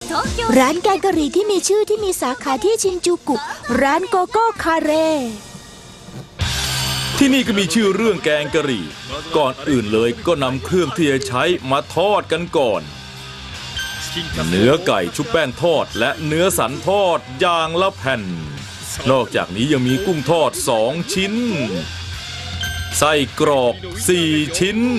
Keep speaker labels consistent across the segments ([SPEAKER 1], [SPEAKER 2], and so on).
[SPEAKER 1] ร้านแกงกะหรี่ที่มีชื่อที่มีสาขาที่ชินจูกุร้านโกโก้คาเร่
[SPEAKER 2] ที่นี่ก็มีชื่อเรื่องแกงกะหรี่ก่อนอื่นเลยก็นำเครื่องที่จะใช้มาทอดกันก่อนเนื้อไก่ชุบแป้งทอดและเนื้อสันทอดอย่างละแผ่นนอกจากนี้ยังมีกุ้งทอด2 ชิ้นไส้กรอก4 ชิ้น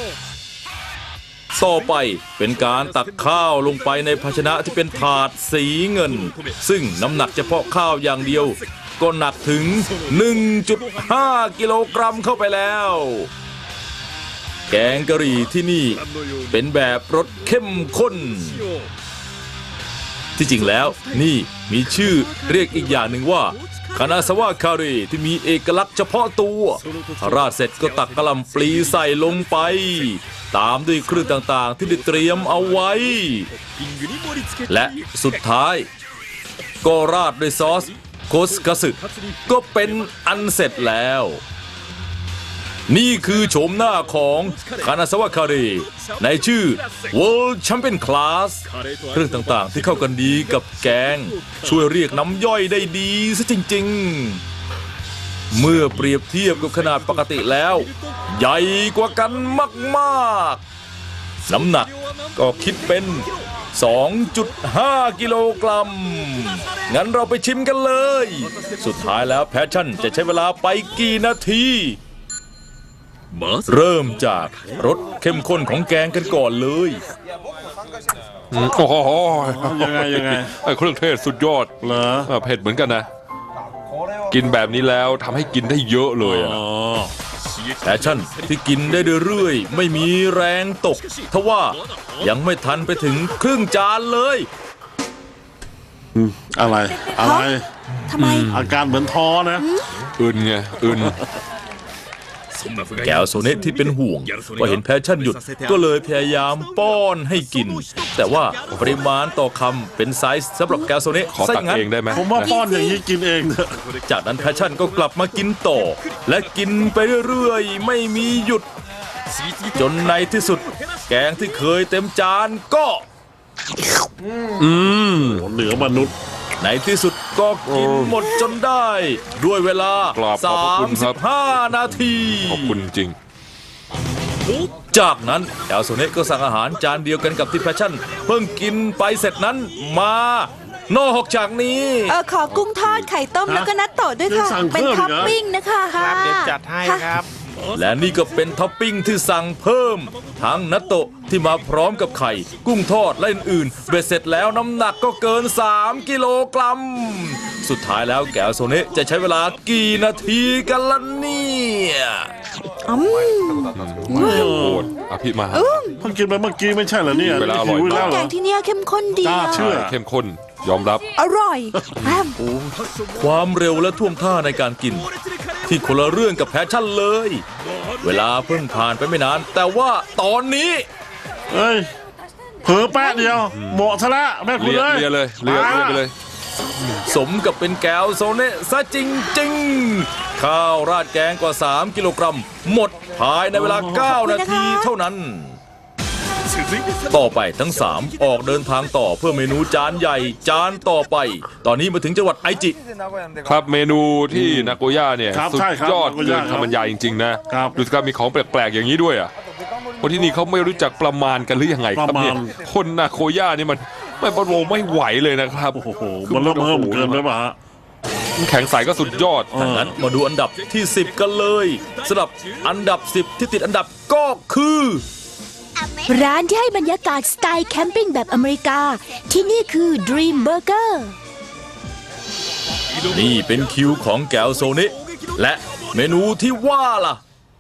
[SPEAKER 2] ต่อไปเป็นการตักข้าวลงไปในภาชนะที่เป็นถาดสีเงินซึ่งน้ำหนักเฉพาะข้าวอย่างเดียวก็หนักถึง 1.5 กิโลกรัมเข้าไปแล้วแกงกะหรี่ที่นี่เป็นแบบรสเข้มข้นที่จริงแล้วนี่มีชื่อเรียกอีกอย่างหนึ่งว่าคานาซาวะคาเร่ที่มีเอกลักษณ์เฉพาะตัวราดเสร็จก็ตักกะหล่ำปลีใส่ลงไปตามด้วยเครื่องต่างๆที่ได้เตรียมเอาไว้และสุดท้ายก็ราดด้วยซอสโคสคัสึก็เป็นอันเสร็จแล้วนี่คือโฉมหน้าของคานาซาวะคาเร่ในชื่อ World Champion Class เครื่องต่างๆที่เข้ากันดีกับแกงช่วยเรียกน้ำย่อยได้ดีซะจริงๆเมื่อเปรียบเทียบกับขนาดปกติแล้วใหญ่กว่ากันมากๆน้ำหนักก็คิดเป็น 2.5 กิโลกรัมงั้นเราไปชิมกันเลยสุดท้ายแล้วแพชชั่นจะใช้เวลาไปกี่นาทีเริ่มจากรสเข้มข้นของแกงกันก่อนเลย
[SPEAKER 3] โอ้โหยังไงไอ้เครื่องเทศสุดยอดเหรอเผ็ดเหมือนกันนะกินแบบนี้แล้วทำให้กินได้เยอะเลย
[SPEAKER 2] แพชชั่นที่กินได้เรื่อยๆไม่มีแรงตกทว่ายังไม่ทันไปถึงครึ่งจานเลย
[SPEAKER 4] อะไร
[SPEAKER 1] ทำไม
[SPEAKER 4] อาการเหมือนท้อนะ
[SPEAKER 3] อึนไงอึน
[SPEAKER 2] แก้วโซเนตที่เป็นห่วงว่าเห็นแพชชั่นหยุดก็เลยพยายามป้อนให้กินแต่ว่าปริมาณต่อคำเป็นไซส์สำหรับแก้วโซเนต
[SPEAKER 3] ขอตักเองได้ไหม
[SPEAKER 4] ผมว่าป้อนอย่างนี้กินเอง
[SPEAKER 2] จากนั้นแพชชั่นก็กลับมากินต่อและกินไปเรื่อยๆไม่มีหยุดจนในที่สุดแกงที่เคยเต็มจานก็
[SPEAKER 4] เหนือมนุษย์
[SPEAKER 2] ในที่สุดก็กินหมดจนได้ด้วยเวลา35 นาที
[SPEAKER 3] ขอบคุณจริง
[SPEAKER 2] จากนั้นแอลโซเนตก็สั่งอาหารจานเดียวกันกับที่แพชชั่นเพิ่งกินไปเสร็จนั้นมานอกจากนี้
[SPEAKER 1] ขอกุ้งทอดไข่ต้มแล้วก็นัตโตะด้วยค่ะเป็นท็อปปิ้งนะคะ
[SPEAKER 5] ครับเดี๋ยวจัดให้ครับ
[SPEAKER 2] และนี่ก็เป็นท็อปปิ้งที่สั่งเพิ่มทั้งนัตโตะที่มาพร้อมกับไข่กุ้งทอดและอื่นๆเบ็ดเสร็จแล้วน้ำหนักก็เกิน3 กิโลกรัมสุดท้ายแล้วแกวโซเนะจะใช้เวลากี่นาทีกันล่ะเนี่ย
[SPEAKER 3] โอ้ยพี่มา
[SPEAKER 4] เพิ่งกินไปเมื่อกี้ไม่ใช่เหรอเนี่ย
[SPEAKER 3] เวลาอร่อยมาก
[SPEAKER 1] แกงที่นี่เข้มข้นดี
[SPEAKER 4] เชื่อ
[SPEAKER 3] เข้มข้นยอมรับ
[SPEAKER 1] อร่อย
[SPEAKER 2] ความเร็วและท่วงท่าในการกินที่คนละเรื่องกับแพชชั่นเลยเวลาเพิ่งผ่านไปไม่นานแต่ว่าตอนนี้
[SPEAKER 4] เผลอแป๊ะเดียวเหมาะซะละแม่คุณเลย
[SPEAKER 3] เรือไปเลย
[SPEAKER 2] สมกับเป็นแก้วโซเนะซะจริงๆข้าวราดแกงกว่า3 กิโลกรัมหมดภายในเวลา9 นาทีเท่านั้นต่อไปทั้ง3ออกเดินทางต่อเพื่อเมนูจานใหญ่จานต่อไปตอนนี้มาถึงจังหวัดไอจิ
[SPEAKER 3] ครับเมนูที่นาโกย่าเนี่ยสุดยอดเกินคำบรรยายจริงๆนะดูสิครับมีของแปลกๆอย่างนี้ด้วยคนที่นี่เขาไม่รู้จักประมาณกันหรือยังไงครับเนี่ยคนนาโกย่านี่มันไม่ประโลมไม่ไหวเลยนะครับ
[SPEAKER 4] โอ้โหมันเริ่มเกินไปป่ะ
[SPEAKER 3] แข็งใสก็สุดยอด
[SPEAKER 2] ดังนั้นมาดูอันดับที่10กันเลยสำหรับอันดับ10ที่ติดอันดับก็คือ
[SPEAKER 1] ร้านที่ให้บรรยากาศสไตล์แคมปิ้งแบบอเมริกาที่นี่คือ Dream Burger
[SPEAKER 2] นี่เป็นคิวของแก้วโซเนะและเมนูที่ว่าล่ะ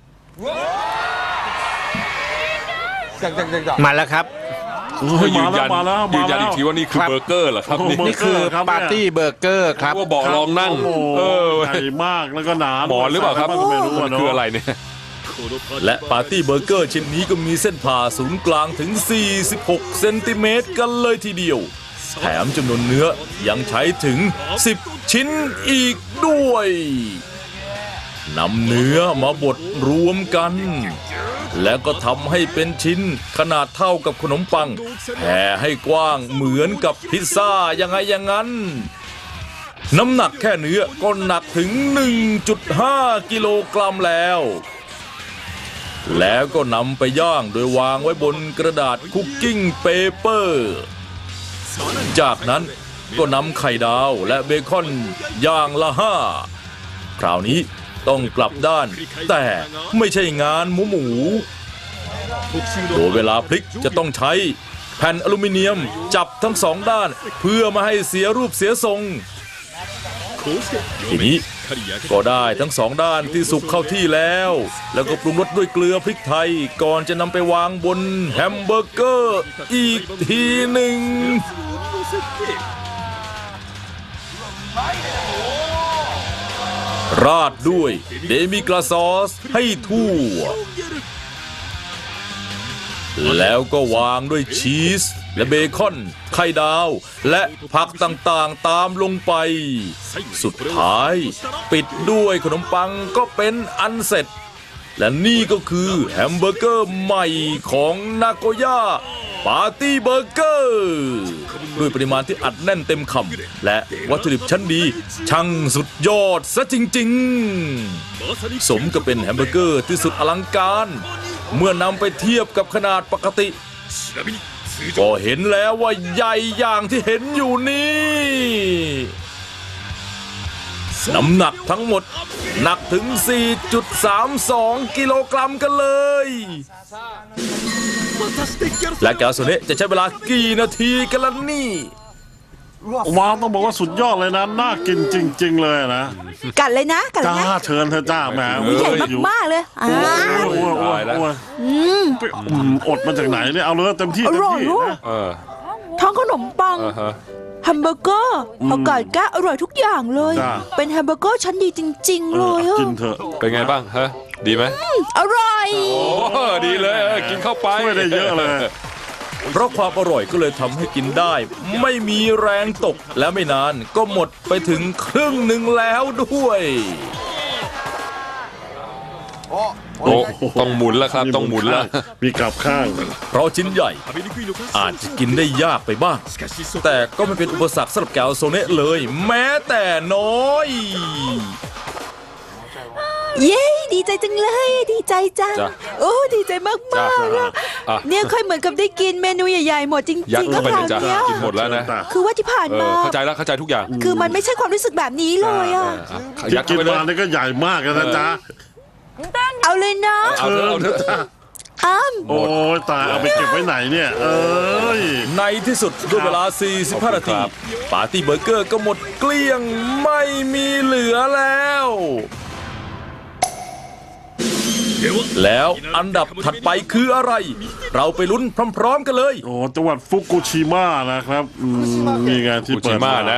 [SPEAKER 5] มาแล้วครับ
[SPEAKER 3] ยืนยันอีกทีว่านี่คือเบอร์เกอร์เหรอครับ
[SPEAKER 5] นี่คือปาร์ตี้เบอร์เกอร์ครับ
[SPEAKER 3] ว่าบอกลองนั่ง
[SPEAKER 4] ใหญ่มากแล้วก็หนา
[SPEAKER 3] หมอนหรือเปล่าครับมันคืออะไรเนี่ย
[SPEAKER 2] และปาร์ตี้เบอร์เกอร์ชิ้นนี้ก็มีเส้นผ่าศูนย์กลางถึง46 เซนติเมตรกันเลยทีเดียวแถมจำนวนเนื้อยังใช้ถึง10 ชิ้นอีกด้วยนำเนื้อมาบดรวมกัน แล้วก็ทำให้เป็นชิ้นขนาดเท่ากับขนมปังแผ่ให้กว้างเหมือนกับพิซซ่ายังไงอย่างนั้น น้ำหนักแค่เนื้อก็หนักถึง 1.5 กิโลกรัมแล้ว แล้วก็นำไปย่างโดยวางไว้บนกระดาษคุกกิ้งเปเปอร์ จากนั้นก็นำไข่ดาวและเบคอนย่างละ5คราวนี้ต้องกลับด้านแต่ไม่ใช่งานหมูโดยเวลาพลิกจะต้องใช้แผ่นอลูมิเนียมจับทั้งสองด้านเพื่อไม่ให้เสียรูปเสียทรงทีนี้ก็ได้ทั้งสองด้านที่สุกเข้าที่แล้วก็ปรุงรสด้วยเกลือพริกไทยก่อนจะนำไปวางบนแฮมเบอร์เกอร์อีกทีหนึ่งราดด้วยเดมิกลาซอสให้ทั่วแล้วก็วางด้วยชีสและเบคอนไข่ดาวและผักต่างๆตามลงไปสุดท้ายปิดด้วยขนมปังก็เป็นอันเสร็จและนี่ก็คือแฮมเบอร์เกอร์ใหม่ของนาโกย่าปาร์ตี้เบอร์เกอร์ด้วยปริมาณที่อัดแน่นเต็มคำและวัตถุดิบชั้นดีช่างสุดยอดซะจริงๆสมกับเป็นแฮมเบอร์เกอร์ที่สุดอลังการเมื่อนำไปเทียบกับขนาดปกติก็เห็นแล้วว่าใหญ่อย่างที่เห็นอยู่นี่น้ำหนักทั้งหมดหนักถึง 4.32 กิโลกรัมกันเลยและแกวโซเนะจะใช้เวลากี่นาทีกันล่ะนี่
[SPEAKER 4] ว้าวต้องบอกว่าสุดยอดเลยนะน่ากินจริงๆเลยนะ
[SPEAKER 1] กัดเลยนะกัดเลย
[SPEAKER 4] จ้า
[SPEAKER 1] นะ
[SPEAKER 4] เชิญเธอจ้าแหม
[SPEAKER 1] ใหญ่มากๆเลย
[SPEAKER 4] โอ้ยอดมาจากไหนเนี่ยเอาเลยเต็มที่
[SPEAKER 1] อ
[SPEAKER 4] เต็ม
[SPEAKER 1] ร่อย
[SPEAKER 4] ที่
[SPEAKER 1] ลูก
[SPEAKER 4] นะ
[SPEAKER 1] ท้องขนมปังแฮมเบอร์เกอร์ผักกาดแก้อร่อยทุกอย่างเลย เป็นแฮมเบอร์เกอร์ชั้นดีจริงๆเลยอะ
[SPEAKER 4] กินเถอะ
[SPEAKER 3] เป็นไงบ้างฮะดีไหม
[SPEAKER 1] อร่อย
[SPEAKER 3] โอ้ดีเลยกินเข้าไป
[SPEAKER 4] ช่วยได้เยอะเลย
[SPEAKER 2] เพราะความอร่อยก็เลยทำให้กินได้ไม่มีแรงตกและไม่นานก็หมดไปถึงครึ่งหนึ่งแล้วด้วย
[SPEAKER 3] โอ้ต้องหมุนแล้วครับต้องหมุนแล้ว
[SPEAKER 4] มีกลับข้าง
[SPEAKER 2] เพราะชิ้นใหญ่อาจจะกินได้ยากไปบ้างแต่ก็ไม่เป็นอุปสรรคสำหรับแกวโซเนะเลยแม้แต่น้อย
[SPEAKER 1] เย้ดีใจจังเลยดีใจจัง
[SPEAKER 3] จ้ะ
[SPEAKER 1] โอ้ดีใจมาก
[SPEAKER 3] จ้ะ
[SPEAKER 1] ๆอะ
[SPEAKER 3] อ่ะ
[SPEAKER 1] เนี่ยค่อยเหมือนกับได้กินเมนูใหญ่ๆหมดจ
[SPEAKER 3] ยัด
[SPEAKER 1] ริงๆ
[SPEAKER 3] เข้า
[SPEAKER 1] ก็
[SPEAKER 3] ไป
[SPEAKER 1] ค
[SPEAKER 3] เล
[SPEAKER 1] ราย ว
[SPEAKER 3] จ้ะ
[SPEAKER 1] เนี้ย
[SPEAKER 3] กินหมดแล้วนะ
[SPEAKER 1] คือว่าที่ผ่านมา
[SPEAKER 3] เข้าใจแล้วเข้าใจทุกอย่าง
[SPEAKER 1] คือมันไม่ใช่ความรู้สึกแบบนี้เลยอะ
[SPEAKER 4] ที่
[SPEAKER 3] ยัด
[SPEAKER 4] กิ
[SPEAKER 3] เข้าน ไปเลย
[SPEAKER 4] มานี่ก็ใหญ่มากนะจ๊ะ
[SPEAKER 1] เอาเลยนะ
[SPEAKER 3] เอาเถอะเอาเถอะ
[SPEAKER 1] อ้าม
[SPEAKER 4] โอ้ยตายเอาไปเก็บไว้ไหนเนี่ยเอ้ย
[SPEAKER 2] ในที่สุดด้วยเวลา 45 นาทีปาร์ตี้เบอร์เกอร์ก็หมดเกลี้ยงไม่มีเหลือแล้วแล้วอันดับถัดไปคืออะไร เราไปลุ้นพร้อมๆกันเลย
[SPEAKER 4] โอ้จังหวัดฟุกุชิมะนะครับมีงานที่
[SPEAKER 3] ฟู
[SPEAKER 4] เปิ
[SPEAKER 3] จิ
[SPEAKER 4] ด
[SPEAKER 3] มะนะ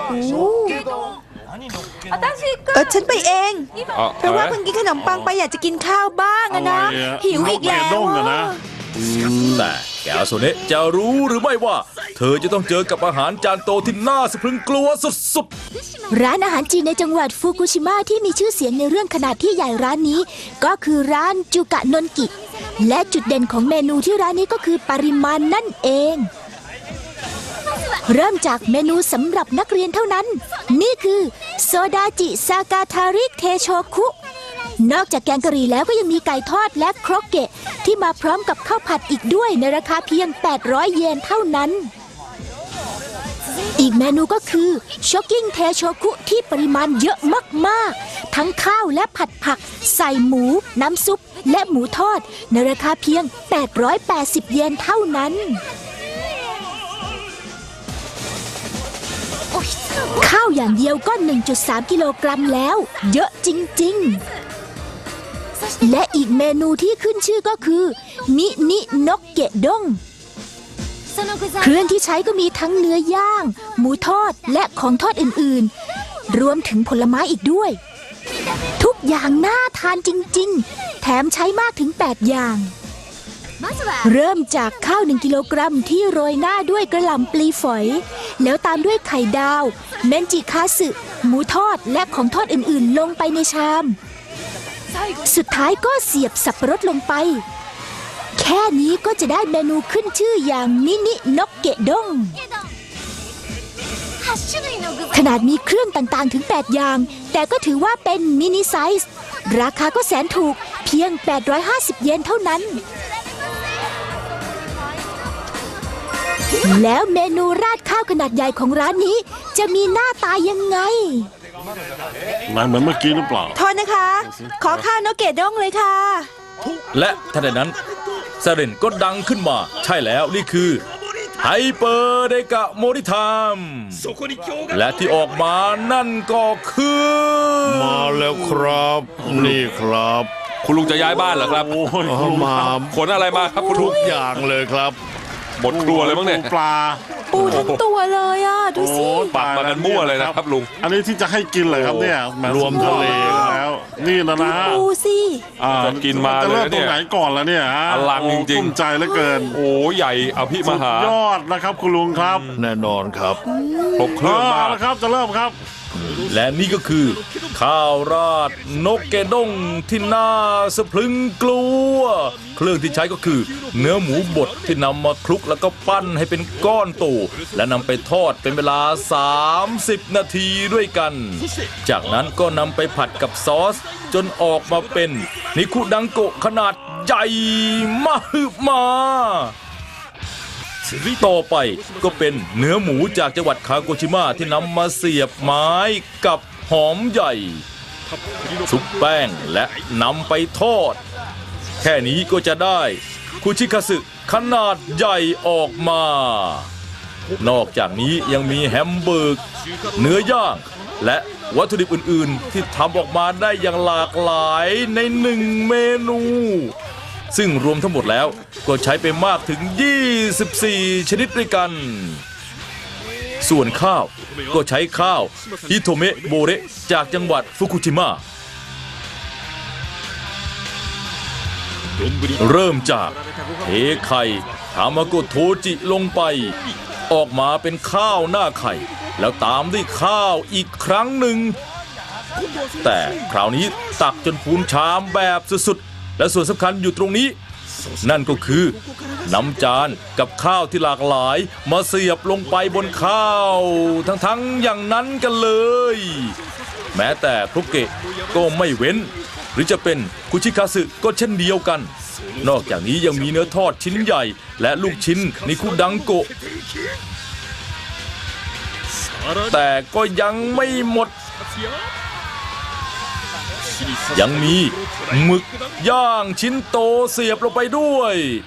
[SPEAKER 1] ฉันไปเอง
[SPEAKER 3] เอา
[SPEAKER 1] เพราะว่าเพิ่งกินขนมปังไปอยากจะกินข้าวบ้างอะนะ หิวอีกแล้ว
[SPEAKER 4] ด้งอะนะ
[SPEAKER 2] แต่แกวโซเนะจะรู้หรือไม่ว่า เธอจะต้องเจอกับอาหารจานโตที่น่าสะพรึงกลัวสุดๆ
[SPEAKER 1] ร้านอาหารจีนในจังหวัดฟุกุชิมะที่มีชื่อเสียงในเรื่องขนาดที่ใหญ่ร้านนี้ ก็คือร้านจูกะนนกิและจุดเด่นของเมนูที่ร้านนี้ก็คือปริมาณนั่นเอง เริ่มจากเมนูสำหรับนักเรียนเท่านั้น นี่คือโซดาจิซากาทาริเทโชคุนอกจากแกงกะหรี่แล้วก็ยังมีไก่ทอดและโครกเกะที่มาพร้อมกับข้าวผัดอีกด้วยในราคาเพียง 800 เยนเท่านั้น อีกเมนูก็คือช็อกกิ้งเทโชคุที่ปริมาณเยอะมากๆ ทั้งข้าวและผัดผักใส่หมูน้ำซุปและหมูทอดในราคาเพียง 880 เยนเท่านั้น ข้าวอย่างเดียวก็ 1.3 กิโลกรัมแล้ว เยอะจริงๆ และอีกเมนูที่ขึ้นชื่อก็คือมินินกเกะด้งเครื่องที่ใช้ก็มีทั้งเนื้อย่าง หมูทอดและของทอดอื่นๆ รวมถึงผลไม้อีกด้วย ทุกอย่างน่าทานจริงๆ แถมใช้มากถึง 8 อย่าง เริ่มจากข้าว 1 กิโลกรัมที่โรยหน้าด้วยกระหล่ำปลีฝอย แล้วตามด้วยไข่ดาว เมนจิคาสึ หมูทอดและของทอดอื่นๆ ลงไปในชามสุดท้ายก็เสียบสับปะรดลงไป แค่นี้ก็จะได้เมนูขึ้นชื่ออย่างมินินกเกะด้ง ขนาดมีเครื่องต่างๆถึง 8 อย่าง แต่ก็ถือว่าเป็นมินิไซส์ ราคาก็แสนถูกเพียง 850 เยนเท่านั้น แล้วเมนูราดข้าวขนาดใหญ่ของร้านนี้จะมีหน้าตายังไง
[SPEAKER 4] มันเหมือนเมื่อกี้หรือเปล่า
[SPEAKER 6] โทษนะคะ ขอข้าวนกเกดด้งเลยค่ะ
[SPEAKER 2] และทันใดนั้นซาเรนก็ดังขึ้นมา ใช่แล้วนี่คือไฮเปอร์เดกะโมริทามและที่ออกมานั่นก็คือ
[SPEAKER 7] มาแล้วครับ นี่ครับ
[SPEAKER 3] คุณลุงจะย้ายบ้านเหรอครับ
[SPEAKER 4] โอ้ย
[SPEAKER 7] มา
[SPEAKER 3] ขนอะไรมาครับคุณลุ
[SPEAKER 7] ทุ
[SPEAKER 3] ง
[SPEAKER 7] กอย่างเลยครับ
[SPEAKER 3] หมดครัวเลยมั้งเนี่ย
[SPEAKER 4] ปลา
[SPEAKER 6] ปูทั้งตัวเลยอ่ะ ดูสิ
[SPEAKER 4] โอ้
[SPEAKER 3] ปักมากันมั่วเลยนะครับลุง
[SPEAKER 4] อันนี้ที่จะให้กินเลยครับเนี่ยแห
[SPEAKER 7] รวมทะเลครับ
[SPEAKER 4] แล้ว นี่นะนะ
[SPEAKER 6] ปูสิ
[SPEAKER 3] จะกินมา
[SPEAKER 4] จะ
[SPEAKER 3] เลย
[SPEAKER 4] เริ่ม
[SPEAKER 3] นะ
[SPEAKER 4] ตร
[SPEAKER 3] เนี่
[SPEAKER 4] ง
[SPEAKER 3] ย
[SPEAKER 4] ไหนก่อนแล้วเนี่ยฮะ
[SPEAKER 3] อลังจริงๆ
[SPEAKER 4] โอ้ทุ่มใจเหลือเกิน
[SPEAKER 3] โอ้ใหญ่อภิมหา
[SPEAKER 4] สุดยอดนะครับคุณลุงครับ
[SPEAKER 7] แน่นอนครับ
[SPEAKER 3] ครบเครื่องมาก
[SPEAKER 4] แล้วครับจะเริ่มครับ
[SPEAKER 2] และนี่ก็คือ ข้าวราดนกเกด้งที่น่าสะพรึงกลัว เครื่องที่ใช้ก็คือ เนื้อหมูบดที่นำมาคลุกแล้วก็ปั้นให้เป็นก้อนโตและนำไปทอดเป็นเวลา 30 นาทีด้วยกัน จากนั้นก็นำไปผัดกับซอส จนออกมาเป็นนิคุดังโกะขนาดใหญ่มหึมา ต่อไปก็เป็นเนื้อหมูจากจังหวัดคาโกชิมะที่นำมาเสียบไม้กับหอมใหญ่ชุบแป้งและนำไปทอด แค่นี้ก็จะได้คุชิคาสึขนาดใหญ่ออกมา นอกจากนี้ยังมีแฮมเบอร์กเนื้อย่างและวัตถุดิบอื่นๆ ที่ทำออกมาได้อย่างหลากหลายในหนึ่งเมนู ซึ่งรวมทั้งหมดแล้วก็ใช้ไปมากถึง 24 ชนิดด้วยกัน ส่วนข้าวก็ใช้ข้าวฮิโทเมะโบเระจากจังหวัดฟุกุชิมะ เริ่มจากเทไข่ทามาโกโทจิลงไป ออกมาเป็นข้าวหน้าไข่ แล้วตามด้วยข้าวอีกครั้งหนึ่ง แต่คราวนี้ตักจนพูนชามแบบสุดๆ และส่วนสำคัญอยู่ตรงนี้ นั่นก็คือนำจานกับข้าวที่หลากหลายมาเสียบลงไปบนข้าวทั้งๆอย่างนั้นกันเลย แม้แต่ครุกเกะก็ไม่เว้น หรือจะเป็นคุชิคาสึก็เช่นเดียวกัน นอกจากนี้ยังมีเนื้อทอดชิ้นใหญ่และลูกชิ้นนิคุดังโกะแต่ก็ยังไม่หมด ยังมีหมึกย่างชิ้นโตเสียบลงไปด้วย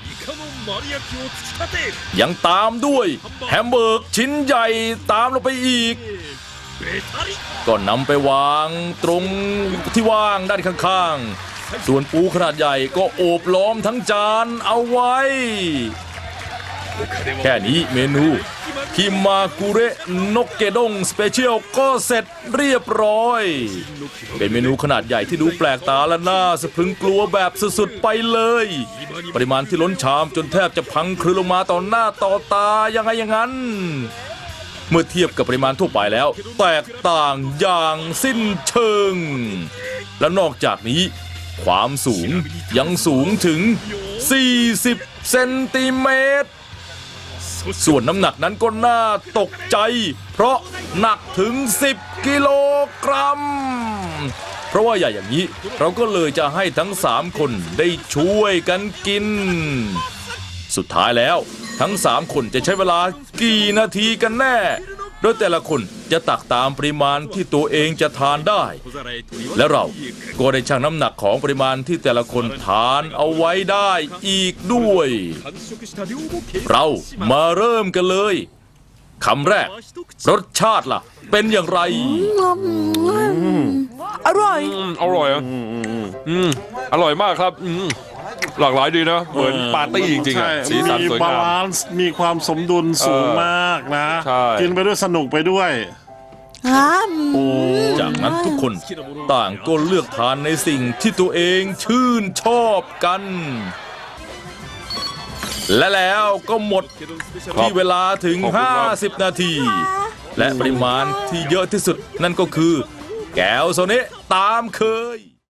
[SPEAKER 2] ยังตามด้วยแฮมเบอร์กชิ้นใหญ่ตามลงไปอีก ก็นำไปวางตรงที่ว่างด้านข้างๆ ส่วนปูขนาดใหญ่ก็โอบล้อมทั้งจานเอาไว้ แค่นี้เมนูคิมากุเระนกเกด้งสเปเชียลก็เสร็จเรียบร้อย เป็นเมนูขนาดใหญ่ที่ดูแปลกตาและน่าสะพรึงกลัวแบบสุดๆไปเลย ปริมาณที่ล้นชามจนแทบจะพังคลืนลงมาต่อหน้าต่อตายังไงอย่างนั้น เมื่อเทียบกับปริมาณทั่วไปแล้ว แตกต่างอย่างสิ้นเชิง และนอกจากนี้ ความสูงยังสูงถึง 40 เซนติเมตร ส่วนน้ำหนักนั้นก็น่าตกใจ เพราะหนักถึง 10 กิโลกรัม เพราะว่าใหญ่อย่างนี้เราก็เลยจะให้ทั้ง 3 คนได้ช่วยกันกิน สุดท้ายแล้วทั้ง 3 คนจะใช้เวลากี่นาทีกันแน่ โดยแต่ละคนจะตักตามปริมาณที่ตัวเองจะทานได้ และเราก็ได้ชั่งน้ำหนักของปริมาณที่แต่ละคนทานเอาไว้ได้อีกด้วย เรามาเริ่มกันเลยคำแรก รสชาติล่ะ เป็นอย่างไร
[SPEAKER 6] อร่อย
[SPEAKER 3] อร่อยอ่ะอร่อยมากครับหลากหลายดีนะ เหมือนปาร์ตี้จริงๆอ่ะ
[SPEAKER 4] ใช่
[SPEAKER 3] สีสัน
[SPEAKER 4] มี
[SPEAKER 3] สวย
[SPEAKER 4] บาง
[SPEAKER 3] าม
[SPEAKER 4] ลานซ์มีความสมดุลสูงมากนะ
[SPEAKER 3] ใช่
[SPEAKER 4] กินไปด้วยสนุกไปด้วย
[SPEAKER 2] จากนั้นทุกคนต่างก็เลือกทานในสิ่งที่ตัวเองชื่นชอบกัน และแล้วก็หมดที่เวลาถึง 50 นาที และปริมาณที่เยอะที่สุดนั่นก็คือ แก้วโซเนะตามเคย